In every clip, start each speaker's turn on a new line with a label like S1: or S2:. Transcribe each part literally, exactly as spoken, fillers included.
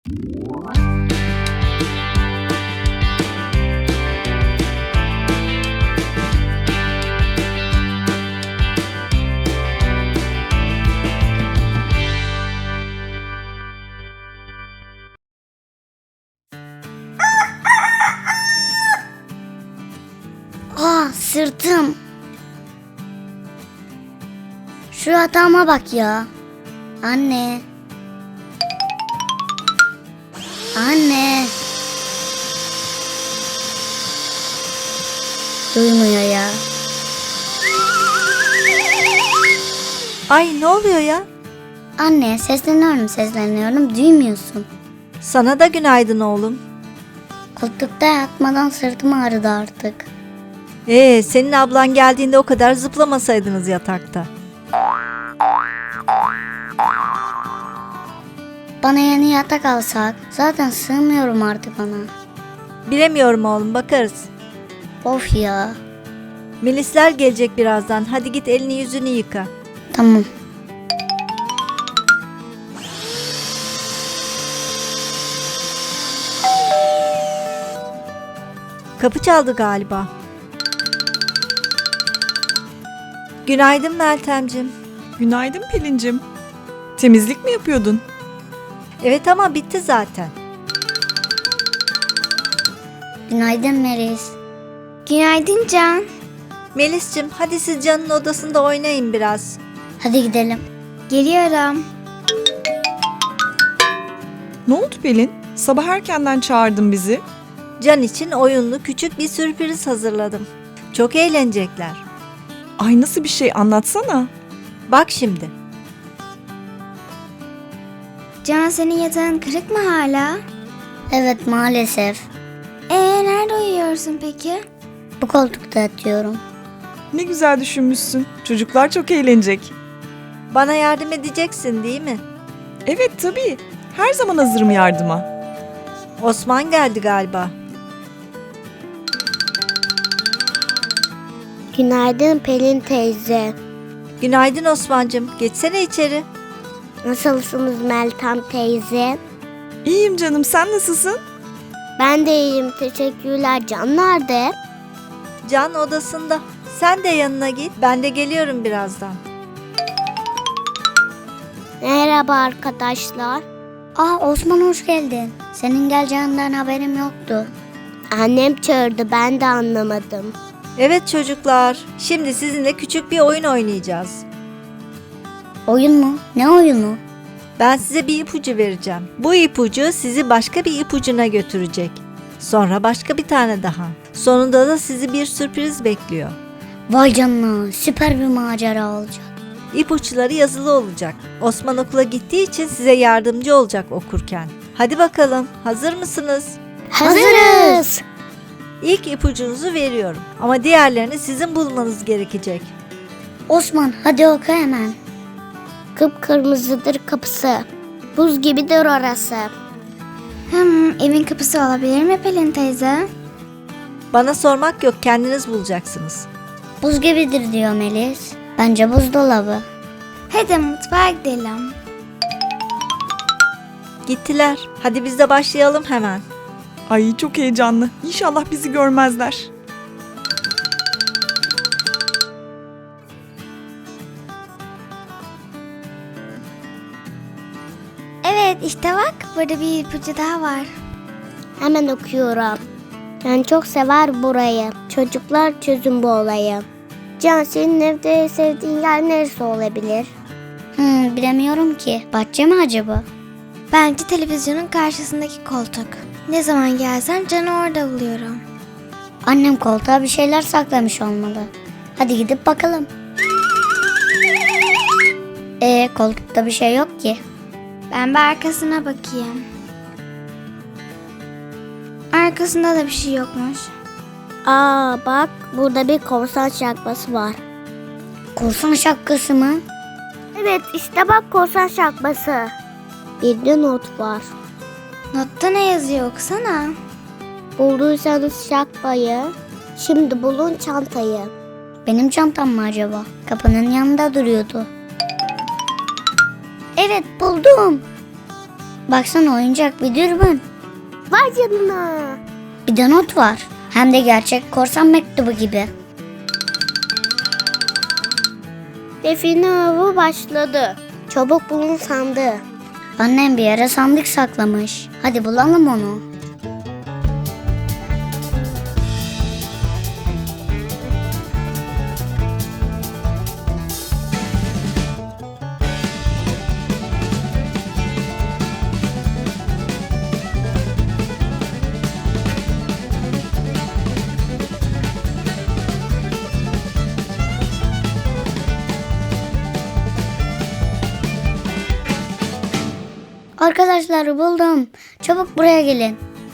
S1: Aa, sırtım. Şu yatağıma bak ya. Anne. Anne. Duymuyor ya.
S2: Ay ne oluyor ya?
S1: Anne, sesleniyorum sesleniyorum duymuyorsun.
S2: Sana da günaydın oğlum.
S1: Koltukta yatmadan sırtım ağrıdı artık.
S2: Ee, senin ablan geldiğinde o kadar zıplamasaydınız yatakta.
S1: Bana yeni yatak alsak. Zaten sığmıyorum artık ona.
S2: Bilemiyorum oğlum, bakarız.
S1: Of ya.
S2: Melisler gelecek birazdan. Hadi git elini yüzünü yıka.
S1: Tamam.
S2: Kapı çaldı galiba. Günaydın Meltemcim.
S3: Günaydın Pelin'cim. Temizlik mi yapıyordun?
S2: Evet ama bitti zaten.
S1: Günaydın Melis.
S4: Günaydın Can.
S2: Melis'cim hadi siz Can'ın odasında oynayın biraz.
S1: Hadi gidelim.
S4: Geliyorum.
S3: Ne oldu Pelin? Sabah erkenden çağırdın bizi.
S2: Can için oyunlu küçük bir sürpriz hazırladım. Çok eğlenecekler.
S3: Ay nasıl bir şey, anlatsana.
S2: Bak şimdi.
S4: Can, senin yatağın kırık mı hala?
S1: Evet maalesef.
S4: Ee nerede uyuyorsun peki?
S1: Bu koltukta yatıyorum.
S3: Ne güzel düşünmüşsün. Çocuklar çok eğlenecek.
S2: Bana yardım edeceksin değil mi?
S3: Evet tabii. Her zaman hazırım yardıma.
S2: Osman geldi galiba.
S1: Günaydın Pelin teyze.
S2: Günaydın Osman'cığım. Geçsene içeri.
S1: Nasılsınız Meltem teyze?
S3: İyiyim canım, sen nasılsın?
S1: Ben de iyiyim teşekkürler. Can nerede?
S2: Can odasında. Sen de yanına git. Ben de geliyorum birazdan.
S1: Merhaba arkadaşlar. Aa Osman hoş geldin. Senin geleceğinden haberim yoktu. Annem çağırdı ben de anlamadım.
S2: Evet çocuklar. Şimdi sizinle küçük bir oyun oynayacağız.
S1: Oyun mu? Ne oyunu?
S2: Ben size bir ipucu vereceğim. Bu ipucu sizi başka bir ipucuna götürecek. Sonra başka bir tane daha. Sonunda da sizi bir sürpriz bekliyor.
S1: Vay canına süper bir macera olacak.
S2: İpuçları yazılı olacak. Osman okula gittiği için size yardımcı olacak okurken. Hadi bakalım, hazır mısınız?
S1: Hazırız.
S2: İlk ipucunuzu veriyorum ama diğerlerini sizin bulmanız gerekecek.
S1: Osman hadi oku hemen. Kıpkırmızıdır kapısı. Buz gibidir orası.
S4: Hmm, evin kapısı olabilir mi Pelin teyze?
S2: Bana sormak yok, kendiniz bulacaksınız.
S1: Buz gibidir diyor Melis. Bence buzdolabı.
S4: Hadi mutfağa gidelim.
S2: Gittiler. Hadi biz de başlayalım hemen.
S3: Ay çok heyecanlı. İnşallah bizi görmezler.
S4: Evet işte bak, burada bir ipucu daha var.
S1: Hemen okuyorum. Ben çok sever burayı. Çocuklar çözün bu olayı. Can senin evde sevdiğin yer neresi olabilir? Hmm, bilemiyorum ki. Bahçe mi acaba?
S4: Bence televizyonun karşısındaki koltuk. Ne zaman gelsem Can'ı orada buluyorum.
S1: Annem koltuğa bir şeyler saklamış olmalı. Hadi gidip bakalım. Ee, koltukta bir şey yok ki.
S4: Ben bir arkasına bakayım. Arkasında da bir şey yokmuş.
S1: Aa bak burada bir korsan şapkası var. Korsan şapkası mı? Evet işte bak korsan şapkası. Bir de not var.
S4: Notta ne yazıyor, okusana.
S1: Bulduysanız şapkayı, şimdi bulun çantayı. Benim çantam mı acaba? Kapının yanında duruyordu. Evet buldum. Baksana oyuncak bir dürbün. Vay canına. Bir de not var. Hem de gerçek korsan mektubu gibi. Define avı başladı. Çabuk bulun sandığı. Annem bir yere sandık saklamış. Hadi bulalım onu. Arkadaşlar buldum. Çabuk buraya gelin.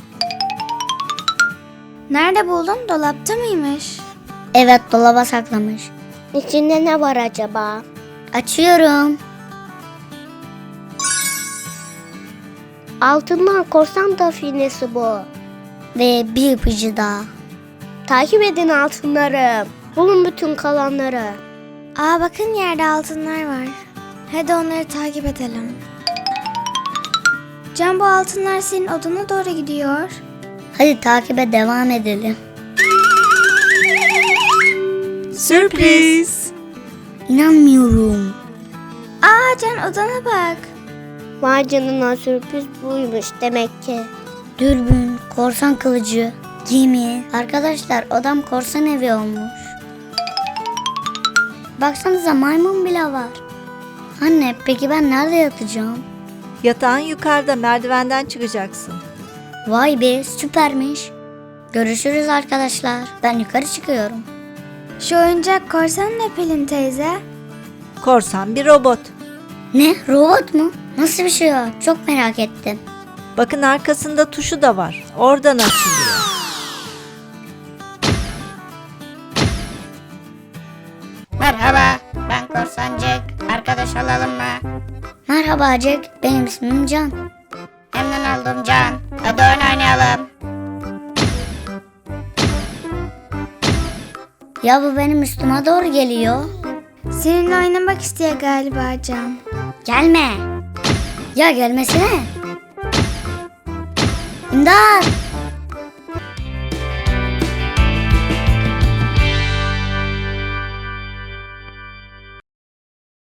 S4: Nerede buldun? Dolapta mıymış?
S1: Evet, dolaba saklamış. İçinde ne var acaba? Açıyorum. Altınlar korsan definesi bu. Ve bir ipucu daha. Takip edin altınları. Bulun bütün kalanları.
S4: Aa bakın yerde altınlar var. Hadi onları takip edelim. Can, bu altınlar senin odana doğru gidiyor.
S1: Hadi takibe devam edelim.
S2: Sürpriz.
S1: İnanmıyorum.
S4: Aa Can, odana bak.
S1: Vay canına, sürpriz buymuş demek ki. Dürbün, korsan kılıcı, gemi. Arkadaşlar odam korsan evi olmuş. Baksanıza, maymun bile var. Anne, peki ben nerede yatacağım?
S2: Yatağın yukarıda, merdivenden çıkacaksın.
S1: Vay be, süpermiş. Görüşürüz arkadaşlar. Ben yukarı çıkıyorum.
S4: Şu oyuncak korsan ne Pelin teyze?
S2: Korsan bir robot.
S1: Ne? Robot mu? Nasıl bir şey o? Çok merak ettim.
S2: Bakın arkasında tuşu da var. Oradan açılıyor.
S5: Merhaba, ben Korsan Jack. Arkadaş olalım mı?
S1: Merhaba Jack, benim ismim Can.
S5: Memnun oldum Can. Hadi oyun oynayalım.
S1: Ya bu benim üstüme doğru geliyor.
S4: Seninle oynamak istiyor galiba Can.
S1: Gelme. Ya gelmesine. İmdat.